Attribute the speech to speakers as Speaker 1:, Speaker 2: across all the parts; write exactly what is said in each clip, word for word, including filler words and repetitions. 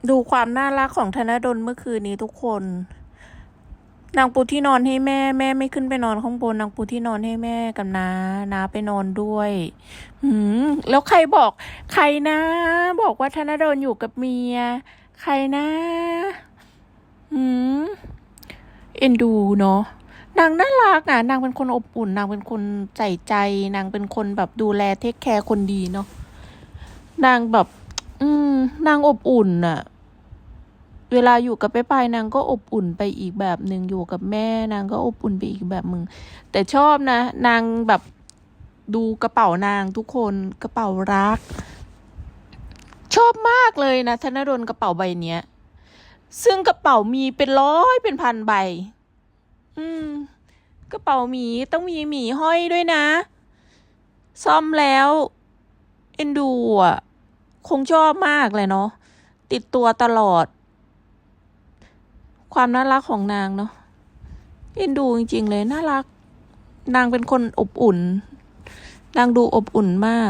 Speaker 1: ดูความน่ารักของธนดลเมื่อคืนนี้ทุกคนนางปูที่นอนให้แม่แม่ไม่ขึ้นไปนอนข้างบนนางปูที่นอนให้แม่กับน้าน้าไปนอนด้วยหืมแล้วใครบอกใครนะบอกว่าธนดลอยู่กับเมียใครนะหืมเอ็นดูเนาะนางน่ารักอ่ะนางเป็นคนอบอุ่นนางเป็นคนใส่ใจนางเป็นคนแบบดูแลเทคแคร์คนดีเนาะนางแบบอืมนางอบอุ่นอ่ะเวลาอยู่กับไปไปนางก็อบอุ่นไปอีกแบบหนึ่งอยู่กับแม่นางก็อบอุ่นไปอีกแบบมึงแต่ชอบนะนางแบบดูกระเป๋านางทุกคนกระเป๋ารักชอบมากเลยนะธนดลกระเป๋าใบเนี้ยซึ่งกระเป๋ามีเป็นร้อยเป็นพันใบอืมกระเป๋าหมีต้องมีหมีห้อยด้วยนะซ่อมแล้วเอ็นดูอ่ะคงชอบมากเลยเนาะติดตัวตลอดความน่ารักของนางเนาะเอ็นดูจริงๆเลยน่ารักนางเป็นคนอบอุ่นนางดูอบอุ่นมาก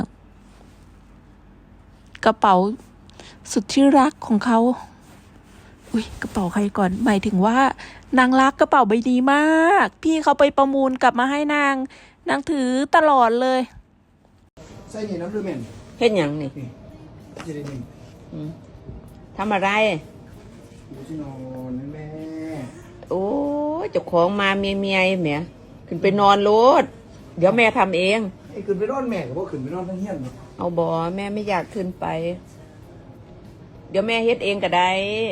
Speaker 1: กระเป๋าสุดที่รักของเขาอุ้ยกระเป๋าใครก่อนหมายถึงว่านางรักกระเป๋าใบนี้มากพี่เขาไปประมูลกลับมาให้นางนางถือตลอดเลย
Speaker 2: ใส่นี่น้ำดูแม่น
Speaker 3: เฮ็ดหยังนี่
Speaker 2: นี่จะได้นี่
Speaker 3: ทำอะไร
Speaker 2: ดูที่นอนแม่
Speaker 3: โอ้ยเจ้าของมาเมียเมียแหมขึ้นไปนอนโลดเดี๋ยวแม่ทำเอง
Speaker 2: ไอ้ขึ้นไปนอนแม่กับพ่ขึ้นไปนอนทั้งเฮี้ยน
Speaker 3: เอาบ่แม่ไม่อยากขึ้นไป เดี๋ยวแม่เฮ็ดเองก็ได้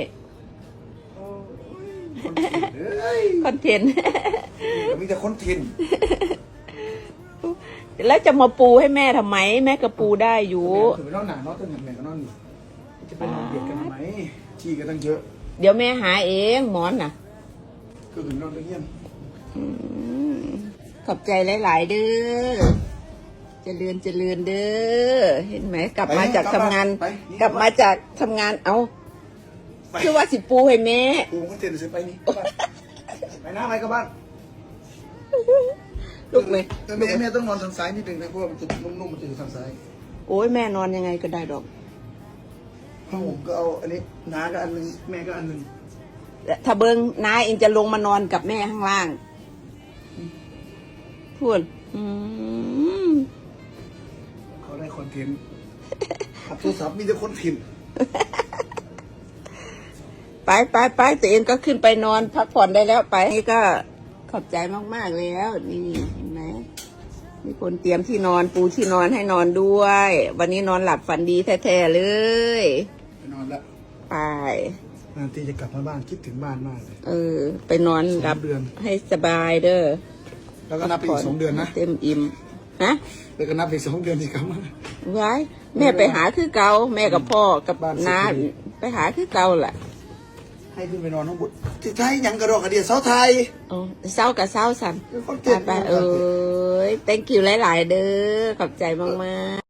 Speaker 3: คอนเทนต์
Speaker 2: มีแต่คอนเทนต์
Speaker 3: แล้วจะมาปูให้แม่ทำไมแม่ก็ปูได้อยู่
Speaker 2: ขึ้นไปนอนหนานอนตั้งแม่ก็นอนอยู่จะไปนอนเบียดกันทำไมที่กันตั้งเยอะ
Speaker 3: เดี๋ยวแม่หาเองหมอนน่ะ
Speaker 2: ก็ขึ้นนอนทั้งเฮี้ยน
Speaker 3: ขอบใจหลายๆเด้อเจริญเจริญเด้อเห็นไหมกลับมาจากทำงานกลับมาจากทำงานเอาคือว่าสิปูให้แม่
Speaker 2: ปูก็เทนไปนี่ไปหน้าไปกับบ้าน
Speaker 3: ลูกไหม
Speaker 2: แม่แม่ต้องนอนทางซ้ายนิดนึงนะเพราะว่ามันจะนุ่มๆมันจะอยู่ทางซ้าย
Speaker 3: โอ้ยแม่นอนยังไงก็ได้ดอก
Speaker 2: ผมก็เอาอันนี้น้าก็อันนึงแม่ก็อันนึง
Speaker 3: ถ้าเบิ้งน้าเองจะลงมานอนกับแม่ข้างล่างพูด
Speaker 2: เขาได้คอนเทนต์ขับโทรศัพท์มีแต่คอนเทนต์
Speaker 3: ไปไปไปตัวเองก็ขึ้นไปนอนพักผ่อนได้แล้วไปนี่ก็ขอบใจมากๆแล้วนี่เห็นไหมมีคนเตรียมที่นอนปูที่นอนให้นอนด้วยวันนี้นอนหลับฝันดีแท้ๆเลย
Speaker 2: ไปนอนแล้ว
Speaker 3: ไป
Speaker 2: นานทีจะกลับมาบ้านคิดถึงบ้านมากเลย
Speaker 3: เออไปนอนหลับให้สบายเด้อ
Speaker 2: แล้วก็นับไปอีกสองเดือนนะ
Speaker 3: เต็มอิ่มฮะ
Speaker 2: แล้วก็นับไปสองเดือนที่กลับมา
Speaker 3: ไว้แม่ไปหาคือเก่าแม่กับพ่อกับน้าไปหาคือเก่าแหละ
Speaker 2: ให้ขึ้นไปนอนน้องบุตรที่ไทยยังกระโดดกระเดียดเสาไทย
Speaker 3: อ๋อเสากับเสาสันไปเอ้ย thank you หลายๆเด้อขอบใจมากๆ